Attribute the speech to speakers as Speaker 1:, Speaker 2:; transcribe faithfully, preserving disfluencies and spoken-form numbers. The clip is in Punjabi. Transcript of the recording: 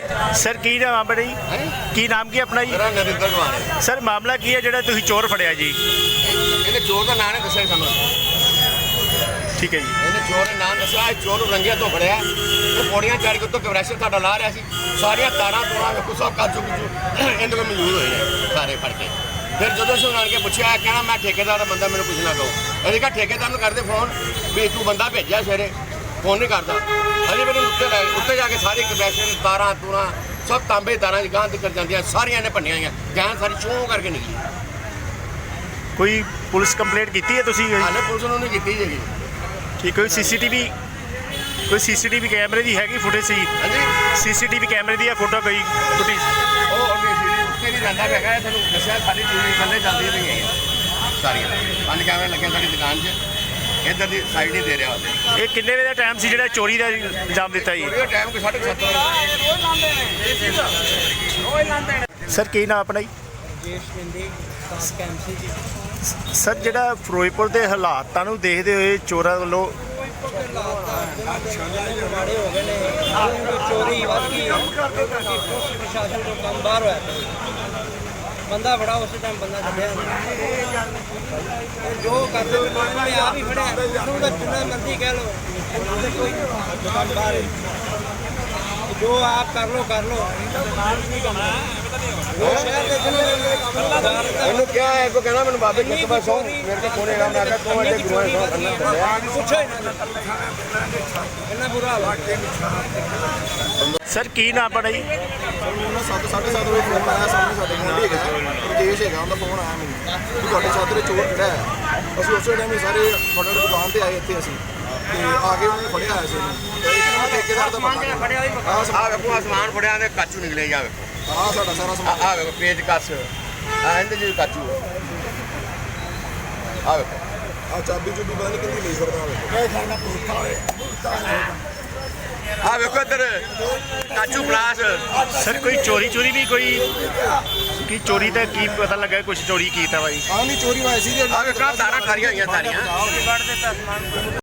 Speaker 1: ਸਰ ਕੀ ਨਾਮ ਆਪਣਾ ਜੀ? ਕੀ ਨਾਮ ਕੀ ਆਪਣਾ ਜੀ?
Speaker 2: ਮੇਰਾ ਨਰਿੰਦਰ ਕੁਮਾਰ ਹੈ।
Speaker 1: ਸਰ ਮਾਮਲਾ ਕੀ ਹੈ ਜਿਹੜਾ ਤੁਸੀਂ ਚੋਰ ਫੜਿਆ ਜੀ?
Speaker 2: ਇਹਨੇ ਚੋਰ ਦਾ ਨਾਂ ਨਹੀਂ ਦੱਸਿਆ ਸਾਨੂੰ।
Speaker 1: ਠੀਕ ਹੈ ਜੀ।
Speaker 2: ਇਹਨੇ ਚੋਰ ਦਾ ਨਾਂ ਦੱਸਿਆ। ਇਹ ਚੋਰ ਨੂੰ ਰੰਗਿਆ ਤੋਂ ਫੜਿਆ। ਇਹ ਪੌੜੀਆਂ ਚੜ੍ਹ ਕੇ ਉੱਤੋਂ ਕਵਰੇਸ਼ਨ ਸਾਡਾ ਲਾ ਰਿਹਾ ਸੀ। ਸਾਰੀਆਂ ਤਾਰਾਂ ਤੂਰਾਂ ਵੇਖੋ ਸਭ ਕਾਜੂ ਕੁਜੂ ਇਹਦੇ ਕੋਲ ਮੌਜੂਦ ਹੋਏ ਨੇ ਸਾਰੇ ਫੜ ਕੇ। ਫਿਰ ਜਦੋਂ ਅਸੀਂ ਆਣ ਕੇ ਪੁੱਛਿਆ ਕਹਿਣਾ ਮੈਂ ਠੇਕੇਦਾਰ ਦਾ ਬੰਦਾ, ਮੈਨੂੰ ਕੁਝ ਨਾ ਕਹੋ। ਇਹਨੇ ਕਿਹਾ ਠੇਕੇਦਾਰ ਨੂੰ ਕਰਦੇ ਫੋਨ ਵੀ ਤੂੰ ਬੰਦਾ ਭੇਜਿਆ ਸਵੇਰੇ, ਫੋਨ ਨਹੀਂ ਕਰਦਾ। ਅਜੇ ਮੈਨੂੰ ਉੱਤੇ ਲੈ ਉੱਤੇ ਜਾ ਕੇ ਸਾਰੀ ਕਵਰੇਸ਼ਨ ਤਾਰਾਂ ਤੂਰਾਂ ਸਭ ਤਾਂਬੇ ਤਾਰਾਂ ਦੀ ਗਾਂਹ ਕਰ ਜਾਂਦੀਆਂ ਸਾਰੀਆਂ ਨੇ ਭੰਨੀਆਂ ਹੋਈਆਂ। ਗਾਂ ਸਾਰੀ ਚੋਂ ਕਰਕੇ ਨਿਕਲੀ।
Speaker 1: ਕੋਈ ਪੁਲਿਸ ਕੰਪਲੇਂਟ ਕੀਤੀ ਹੈ ਤੁਸੀਂ?
Speaker 2: ਹਾਲੇ ਪੁਲਿਸ ਨੂੰ ਨਹੀਂ ਕੀਤੀ ਜੀ।
Speaker 1: ਠੀਕ। ਕੋਈ ਸੀਸੀਟੀਵੀ ਕੋਈ ਸੀਸੀਟੀਵੀ ਕੈਮਰੇ ਦੀ ਹੈਗੀ ਫੁਟੇਜ ਸੀ?
Speaker 2: ਹਾਂਜੀ
Speaker 1: ਸੀਸੀਟੀਵੀ ਕੈਮਰੇ ਦੀ ਆ ਫੋਟੋ ਕੋਈ ਫੁਟੇਜ?
Speaker 2: ਉਹ ਅੱਗੇ ਸੀ ਉੱਤੇ ਨਹੀਂ ਜਾਂਦਾ ਹੈਗਾ। ਤੁਹਾਨੂੰ ਦੱਸਿਆ ਸਾਡੀ ਟੀਵੀ ਥੱਲੇ ਚੱਲਦੀ ਰਹੀਆਂ ਸਾਰੀਆਂ। ਪੰਜ ਕੈਮਰੇ ਲੱਗੇ ਸਾਡੀ ਦੁਕਾਨ 'ਚ। ਇੱਧਰ ਦੀ ਸਾਈਡ ਨਹੀਂ ਦੇ ਰਿਹਾ ਉਹਦੇ।
Speaker 1: ਇਹ ਕਿੰਨੇ ਵਜੇ ਦਾ ਟਾਈਮ ਸੀ ਜਿਹੜਾ ਚੋਰੀ ਦਾ ਇਲਜ਼ਾਮ ਦਿੱਤਾ ਜੀ?
Speaker 2: ਉਹਦਾ ਟਾਈਮ ਕੋਈ ਸਾਢੇ ਸੱਤ ਵਜੇ।
Speaker 1: ਸਰ ਕੀ ਨਾਮ ਆਪਣਾ ਜੀ?
Speaker 3: ਜੇਸ਼ ਬਿੰਦੀ ਸਾਫ ਕੈਂਪਸੀ ਜੀ।
Speaker 1: ਸਰ ਜਿਹੜਾ ਫਿਰੋਜ਼ਪੁਰ ਦੇ ਹਾਲਾਤਾਂ ਨੂੰ ਦੇਖਦੇ ਹੋਏ ਚੋਰਾਂ ਵੱਲੋਂ
Speaker 3: ਮਾੜੇ ਹੋ ਗਏ ਨੇ, ਚੋਰੀ ਵੱਧ ਗਈ ਪੁਲਿਸ ਪ੍ਰਸ਼ਾਸਨ ਤੋਂ ਕੰਮ ਬਾਹਰ ਹੋਇਆ ਬੰਦਾ ਬੜਾ ਉਸੇ ਟਾਈਮ ਬੰਦਾ ਕੱਢਿਆ ਜੋ ਕਰਦੇ ਉਹਨੇ ਆਪ ਹੀ ਫੜਿਆ। ਉਹਨੂੰ ਤਾਂ ਜਿੰਨਾ ਮਰਜ਼ੀ ਕਹਿ ਲਓ ਕੋਈ ਕੰਮ ਬਾਹਰ ਜੋ ਆਪ ਕਰ ਲੋ ਕਰ ਲੋ।
Speaker 2: ਇਹਨੂੰ ਕਿਹਾ ਹੈ ਕੋ ਕਹਿਣਾ ਮੈਨੂੰ ਬਾਬੇ ਕਿਸ ਬਾਰ ਸੌ ਮੇਰੇ ਕੋਲ ਫੋਨ ਹੈਗਾ। ਮੈਂ ਕਿਹਾ ਤੂੰ ਅਜੇ ਗੁਰੂਆਂ ਸੌ ਕਰਨਾ ਚੱਲਿਆ।
Speaker 3: ਪੁੱਛੋ ਇੰਨਾ ਬੁਰਾ ਹਾਲ।
Speaker 1: ਸਰ ਕੀ ਨਾਮ ਆਪਣਾ ਜੀ?
Speaker 4: ਮੈਨੂੰ ਸੱਤ ਸਾਢੇ ਸੱਤ ਵਜੇ ਫੋਨ ਆਇਆ। ਸਾਹਮਣੇ ਸਾਡੇ ਗੁਆਂਢੀ ਹੈਗਾ ਰਜੇਸ਼ ਹੈਗਾ, ਉਹਦਾ ਫੋਨ ਆਇਆ ਮੈਨੂੰ ਕਿ ਤੁਹਾਡੇ ਛੱਤ 'ਤੇ ਚੋਰ ਖੜਿਆ ਹੈ। ਅਸੀਂ ਉਸੇ ਟਾਈਮ ਹੀ ਸਾਰੇ ਫਟਾਫਟ ਦੁਕਾਨ 'ਤੇ ਆਏ ਇੱਥੇ ਅਸੀਂ ਤੇ ਆ ਕੇ ਉਹਨੇ ਫੜਿਆ ਹੋਇਆ ਸੀ ਇਹਨੂੰ। ਤੇ ਇੱਕ ਨਾ ਠੇਕੇਦਾਰ ਦਾ ਬੰਦਾ ਆਹ
Speaker 2: ਆ ਵੇਖੋ ਅਸਮਾਨ ਫੜਿਆ ਤੇ ਕਾਚੂ ਨਿਕਲੇ ਜਾ ਵੇਖੋ।
Speaker 4: ਆਹ ਸਾਡਾ ਸਾਰਾ ਸਮਾਨ
Speaker 2: ਆ ਵੇਖੋ ਪੇਜ ਕੱਸ ਆ ਇਹਦੇ ਜੀ ਕਾਚੂ ਆ ਵੇਖੋ।
Speaker 4: ਆਹ ਚਾਬੀ ਚੁਬੀ ਪਤਾ ਨਹੀਂ ਕਿੰਨੀ ਲਈ ਫਿਰਦਾ ਵੇਖੋ।
Speaker 2: ਆ ਵੇਖੋ ਇੱਧਰ ਕਾਚੂ ਪਲਾਸ।
Speaker 1: ਸਰ ਕੋਈ ਚੋਰੀ ਚੋਰੀ ਵੀ ਕੋਈ ਕੀ ਚੋਰੀ ਦਾ ਕੀ ਪਤਾ ਲੱਗਾ ਕੁਝ ਚੋਰੀ ਕੀਤਾ ਬਾਈ?
Speaker 4: ਆਹ ਨਹੀਂ ਚੋਰੀ ਹੋਈ ਸੀ।
Speaker 2: ਆ ਵੇਖੋ ਤਾਰਾਂ ਖਾਰੀਆਂ ਹੋਈਆਂ ਸਾਰੀਆਂ।